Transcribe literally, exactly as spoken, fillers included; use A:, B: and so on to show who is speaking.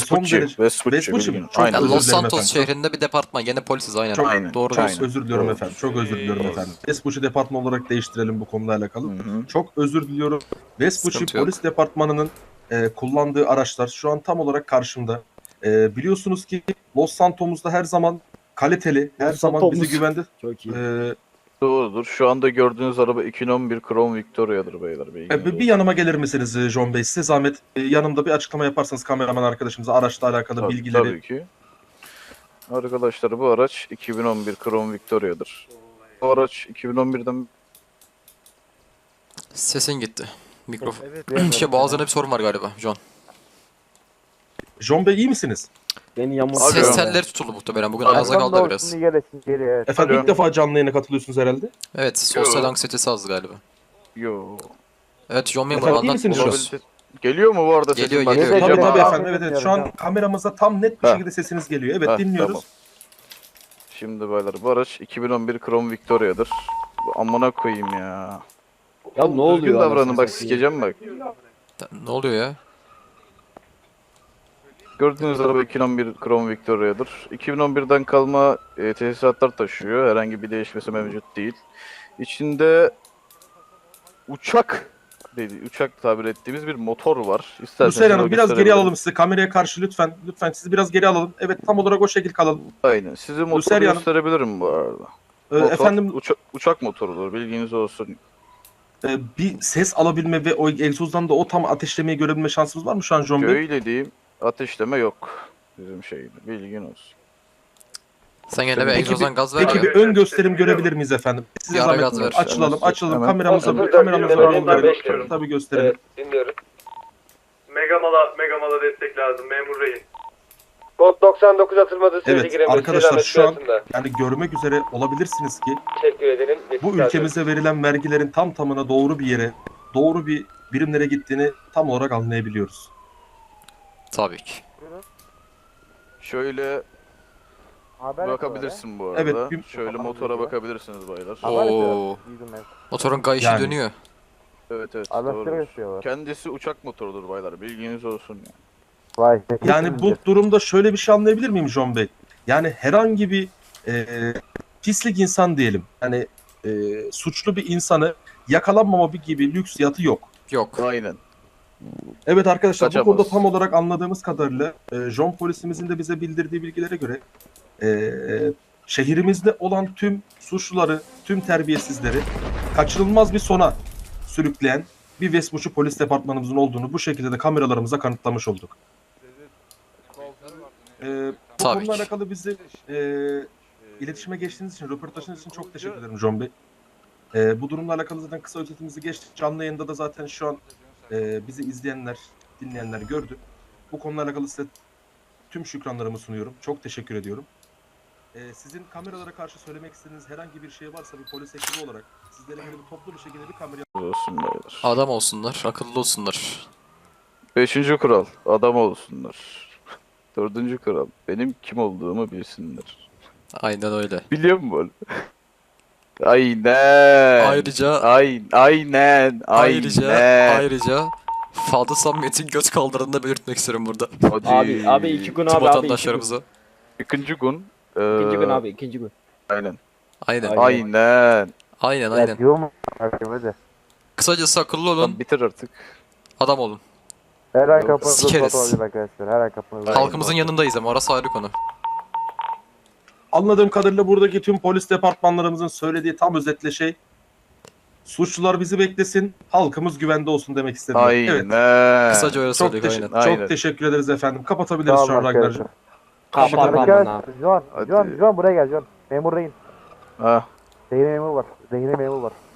A: Vespucci.
B: derece-
A: Vespucci.
B: Vespucci mi?
A: bilgin.
B: Çok
A: Aynen.
B: özür
C: Los
B: dilerim
C: Santos
B: efendim.
C: şehrinde bir departman. Gene polisiz aynen.
B: Çok-
A: Aynen.
C: Doğru.
B: Çok
A: Aynen.
B: özür diliyorum
A: Doğru.
B: efendim. Çok özür diliyorum efendim. Vespucci departmanı olarak değiştirelim bu konuyla alakalı.
A: Hı hı.
B: Çok özür diliyorum. Vespucci
C: Sıkıntı yok.
B: polis departmanının e, kullandığı araçlar şu an tam olarak karşımda. E, biliyorsunuz ki Los Santos'umuzda her zaman kaliteli, her
D: Los
B: zaman
D: Santos.
B: bizi güvende.
D: Çok iyi.
B: E,
A: Doğrudur. Şu anda gördüğünüz araba iki bin on bir Crown Victoria'dır beyler.
B: e,
A: bilginiz
B: bir bir
A: olsun.
B: yanıma gelir misiniz e, John Bey? Size zahmet e, yanımda bir açıklama yaparsanız kameraman arkadaşımıza araçla alakalı
A: Tabii,
B: bilgileri.
A: Tabii ki. Arkadaşlar bu araç iki bin on bir Crown Victoria'dır. Bu araç iki bin on birden
C: Sesin gitti. Mikrofon. şey boğazında bir sorun var galiba John.
B: John Bey iyi misiniz?
D: Beni yamuk.
A: Alo.
C: Ses telleri tutuldu muhtemelen. Bugün
A: Alo.
C: ağza kaldı da biraz.
B: Efendim
A: Alo.
B: ilk defa canlı yayına katılıyorsunuz herhalde.
C: Evet, sosyal
A: Yo.
C: anksiyetesi az galiba.
A: Yo.
C: Evet, John Memur
B: Efendim, iyi
C: anlat.
B: misiniz şu an?
C: Buluruz.
A: Geliyor mu bu arada
C: Geliyor,
A: sesim? Bak,
C: geliyor.
B: Tabii
A: söyleyeceğim
B: tabii
A: ha.
B: efendim. Evet, evet. Şu an kameramıza tam net bir
A: Ha.
B: şekilde sesiniz geliyor. Evet
A: Ha,
B: dinliyoruz.
A: tamam. Şimdi beyler bu araç iki bin on bir Crown Victoria'dır. Bu amına koyayım ya.
D: Ya ne oluyor?
A: Düzgün davranın
D: anasını
A: bak
D: satayım?
A: sikeceğim bak.
C: Ne oluyor ya?
A: Gördüğünüz araba iki bin on bir Crown Victoria'dır. iki bin on birden kalma e, tesisatlar taşıyor. Herhangi bir değişmesi mevcut değil. İçinde uçak dedi, uçak tabir ettiğimiz bir motor var. İsterseniz
B: Hüseyin
A: onu
B: Hanım biraz geri
A: gösterebilirim.
B: alalım sizi. Kameraya karşı lütfen. Lütfen sizi biraz geri alalım. Evet tam olarak o şekil kalalım.
A: Aynen. Size motoru
B: Hüseyin Hanım.
A: gösterebilirim bu arada.
B: Ee,
A: Motor,
B: efendim
A: uça- uçak motorudur. Bilginiz olsun.
B: e, bir ses alabilme ve o egzozdan da o tam ateşlemeyi görebilme şansımız var mı şu an John Bey?
A: Öyle diyeyim. Ateşleme yok. Bizim şeyde. Bilgin olsun.
C: Sen gene bir
B: Peki
C: egzozdan
B: bir-
C: gaz ver.
B: Peki
C: ya.
B: bir ön gösterim görebiramız miyiz efendim? Size
C: Bir ara
B: zahmet
C: gaz ver.
B: açılalım,
A: Hemen-
B: açalım
A: hemen-
B: kameramıza,
A: Hemen-
B: kameramıza
A: Hemen-
B: bir
A: Hemen-
B: görelim. Tabii gösterelim.
E: Evet, dinliyoruz.
F: Megamala, Megamala destek lazım memur rehin.
E: Kod doksan dokuz atılmadı sürece
B: Evet,
E: giremeyiz.
B: arkadaşlar,
E: Selamet
B: şu an-
E: altında.
B: Yani görmek üzere olabilirsiniz ki
E: Teşekkür edelim.
B: bu ülkemize verilen vergilerin tam tamına doğru bir yere, doğru bir birimlere gittiğini tam olarak anlayabiliyoruz.
C: Tabii ki.
A: Şöyle bakabilirsin bu arada.
B: Evet, bir-
A: Şöyle motora bakabilirsiniz baylar.
C: Oo. Motorun kayışı
B: Yani.
C: dönüyor.
A: Evet evet. doğrudur. Kendisi uçak motorudur baylar. Bilginiz olsun. Ya.
B: Yani bu durumda şöyle bir şey anlayabilir miyim John Bey? Yani herhangi bir e, pislik insan diyelim. Yani e, suçlu bir insanı yakalanmama bir gibi lüks yatı yok.
C: Yok.
A: Aynen.
B: Evet arkadaşlar
A: Kaçamaz.
B: bu konuda tam olarak anladığımız kadarıyla e, John polisimizin de bize bildirdiği bilgilere göre e, şehrimizde olan tüm suçluları, tüm terbiyesizleri kaçınılmaz bir sona sürükleyen bir Vespucci polis departmanımızın olduğunu bu şekilde de kameralarımıza kanıtlamış olduk. E, bu
C: Tabii
B: konuyla
C: ki.
B: alakalı bizi e, iletişime geçtiğiniz için, röportajınız için çok teşekkür ederim John Bey. E, bu durumla alakalı zaten kısa özetimizi geçtik. Canlı yayında da zaten şu an e, bizi izleyenler, dinleyenler gördü. Bu konuyla alakalı size tüm şükranlarımı sunuyorum. Çok teşekkür ediyorum. E, sizin kameralara karşı söylemek istediğiniz herhangi bir şey varsa bir polis ekibi olarak sizlere böyle bir toplu bir şekilde bir kamera
A: Olsun baylar.
C: Adam olsunlar, akıllı olsunlar.
A: Beşinci kural. Adam olsunlar. Dördüncü kural. Benim kim olduğumu bilsinler.
C: Aynen öyle.
A: Biliyor musun böyle? Aynen.
C: Ayrıca
A: Aynen. Aynen.
C: ayrıca
A: Aynen.
C: ayrıca Fadıl Samimiyet'in göt kaldırını da belirtmek istiyorum burada.
A: Hadi.
D: Abi abi iki gün
C: Tüm
D: abi abi iki gün.
C: vatandaşlarımıza.
A: İkinci gün.
D: İkinci gün
A: eee,
D: abi ikinci gün.
A: Aynen.
C: Aynen.
D: Aynen.
A: Aynen.
C: Aynen aynen.
G: Diyor mu? Hadi.
C: Kısacası akıllı olun,
A: Lan bitir artık.
C: adam olun.
G: Her ay
A: Yok,
G: kapınızda
C: sikeriz.
G: spot olacak arkadaşlar. Her ay kapınızda.
A: Aynen.
C: Halkımızın yanındayız ama orası ayrı konu.
B: Anladığım kadarıyla buradaki tüm polis departmanlarımızın söylediği tam özetle şey suçlular bizi beklesin, halkımız güvende olsun demek istedim.
A: Aynen.
B: Evet.
C: Kısaca öyle
B: Çok,
C: söyledik
B: teşe-
C: aynen.
A: Aynen.
B: çok teşekkür ederiz efendim. Kapatabiliriz
G: Sağ
B: şu
G: olun
B: an Ragnar'cığım.
D: Kapat
G: Arkadaşlar,
D: amına.
G: John,
A: Hadi.
G: John, John buraya gel John. Memur rehin.
A: Ha.
G: Zehri memur var. Zehri memur var.